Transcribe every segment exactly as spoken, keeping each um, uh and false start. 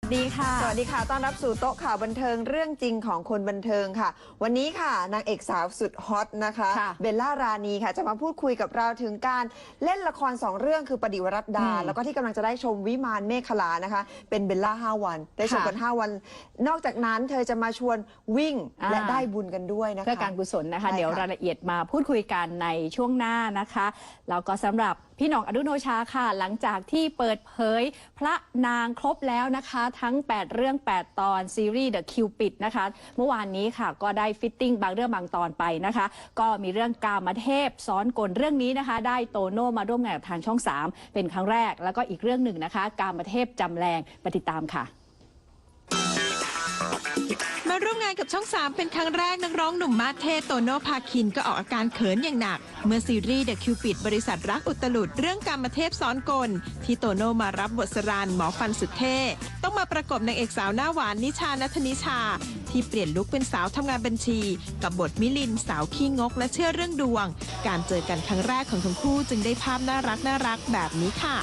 ดีค่ะสวัสดีค่ะต้อนรับสู่โต๊ะข่าวบันเทิงเรื่องจริงของคนบันเทิงค่ะวันนี้ค่ะนางเอกสาวสุดฮอตนะคะเบลล่ารานีค่ะจะมาพูดคุยกับเราถึงการเล่นละครสองเรื่องคือปฏิวรัตดาแล้วก็ที่กำลังจะได้ชมวิมานเมฆขลานะคะเป็นเบลล่าห้าวันได้ชมกันห้าวันนอกจากนั้นเธอจะมาชวนวิ่งและได้บุญกันด้วยนะคะเพื่อการกุศลนะคะเดี๋ยวรายละเอียดมาพูดคุยกันในช่วงหน้านะคะแล้วก็สำหรับพี่หน่องอดุโนชาค่ะหลังจากที่เปิดเผยพระนางครบแล้วนะคะทั้งแปดเรื่องแปดตอนซีรีส์ The Cupid นะคะเมื่อวานนี้ค่ะก็ได้ฟิตติ้งบางเรื่องบางตอนไปนะคะก็มีเรื่องกามเทพซ้อนกลเรื่องนี้นะคะได้โตโน่มาร่วมงานกับทางช่องสามเป็นครั้งแรกแล้วก็อีกเรื่องหนึ่งนะคะกามเทพจำแรงไปติดตามค่ะมาร่วมงานกับช่องสามเป็นครั้งแรกนักร้องหนุ่มมาสเทโตโน่ภาคินก็ออกอาการเขินอย่างหนักเมื่อซีรีส์ The Cupid บริษัทรักอุตลุดเรื่องกามเทพซ้อนกลที่โตโน่มารับบทสรันหมอฟันสุดเท่ต้องมาประกบนางเอกสาวหน้าหวานนิชานัทนิชาที่เปลี่ยนลุคเป็นสาวทำงานบัญชีกับบทมิลินสาวขี้งกและเชื่อเรื่องดวงการเจอกันครั้งแรกของทั้งคู่จึงได้ภาพน่ารักน่ารักแบบนี้ค่ะ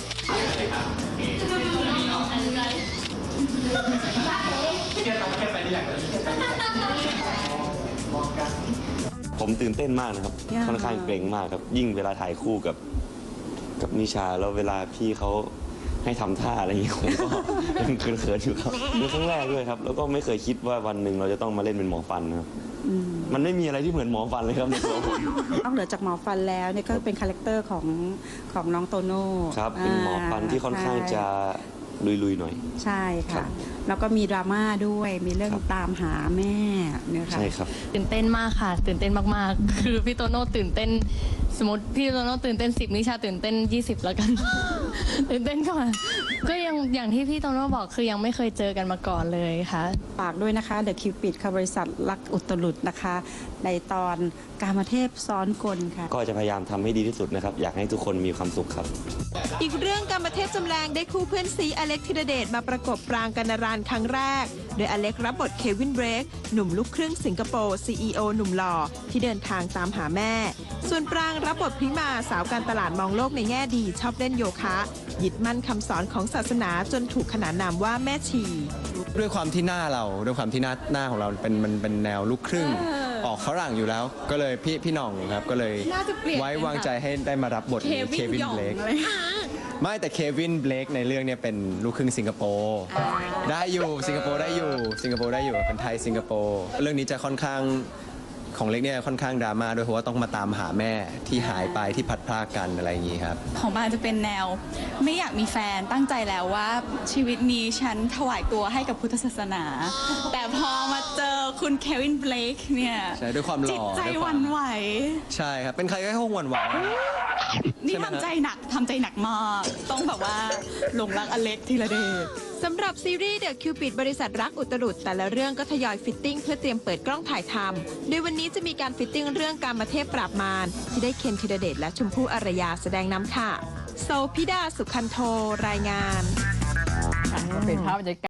ผมตื่นเต้นมากนะครับค่อนข้างเกรงมากครับยิ่งเวลาถ่ายคู่กับกับนิชาแล้วเวลาพี่เขาให้ทำท่าอะไรอย่างนี้ผมก็ยังเขินๆอยู่ครับเป็นครั้งแรกด้วยครับแล้วก็ไม่เคยคิดว่าวันหนึ่งเราจะต้องมาเล่นเป็นหมอฟันนะครับมันไม่มีอะไรที่เหมือนหมอฟันเลยครับในตัวผมนอกเหนือจากหมอฟันแล้วเนี่ยก็เป็นคาแรคเตอร์ของของน้องโตโน่ครับเป็นหมอฟันที่ค่อนข้างจะลุยๆหน่อยใช่ค่ะแล้วก็มีดราม่าด้วยมีเรื่องตามหาแม่เนี่ยค่ะใช่ครับตื่นเต้นมากค่ะตื่นเต้นมากๆคือพี่โตโน่ตื่นเต้นสมมติพี่โตโน่ตื่นเต้นสิบนิชาตื่นเต้นยี่สิบแล้วกัน ตื่นเต้นก่อนก็ยังอย่างที่พี่โตโน่บอกคือยังไม่เคยเจอกันมาก่อนเลยค่ะฝากด้วยนะคะ The Cupid ค่ะบริษัทรักอุตลุดนะคะในตอนกามเทพซ้อนกลค่ะก็จะพยายามทำให้ดีที่สุดนะครับอยากให้ทุกคนมีความสุขครับอีกเรื่องกามเทพจำแรงได้คู่เพื่อนซีอเล็กธีรเดชมาประกบปรางกัณรานครั้งแรกโดยอเล็กรับบทเควินเบรกหนุ่มลูกครึ่งสิงคโปร์ ซี อี โอ หนุ่มหล่อที่เดินทางตามหาแม่ส่วนปรางรับบทพริมาสาวการตลาดมองโลกในแง่ดีชอบเล่นโยคะยึดมั่นคำสอนของศาสนาจนถูกขนานนามว่าแม่ชีด้วยความที่หน้าเราด้วยความที่หน้าหน้าของเราเป็นมันเป็นแนวลูกครึ่งออกฝรั่งอยู่แล้วก็เลยพี่พี่หน่องครับก็เลยไว้วางใจให้ได้มารับบทเควินเบลกไม่แต่เควินเบลกในเรื่องนี้เป็นลูกครึ่งสิงคโปร์ได้อยู่สิงคโปร์ได้อยู่สิงคโปร์ได้อยู่เป็นไทยสิงคโปร์เรื่องนี้จะค่อนข้างของเล็กเนี่ยค่อนข้างดราม่าด้วยเพราะว่าต้องมาตามหาแม่ที่หายไปที่พัดพรากกันอะไรอย่างนี้ครับของบ้านจะเป็นแนวไม่อยากมีแฟนตั้งใจแล้วว่าชีวิตนี้ฉันถวายตัวให้กับพุทธศาสนาแต่พอมาเจอคุณเควินเบลกเนี่ยใช่ด้วยความหล่อจิตใจหวั่นไหวใช่ครับเป็นใครก็คงหวั่นไหวนี่ทำใจหนักทำใจหนักมากต้องแบบว่าหลงรักอเล็กธีรเดชสำหรับซีรีส์ The Cupid บริษัทรักอุตรุดแต่ละเรื่องก็ทยอยฟิตติ้งเพื่อเตรียมเปิดกล้องถ่ายทำโดยวันนี้จะมีการฟิตติ้งเรื่องกามเทพปราบมารที่ได้เคนธีรเดชและชมพู่อารยาแสดงนำค่ะโซพิดาสุขันโทรายงานเป็นภาพบรรยากาศ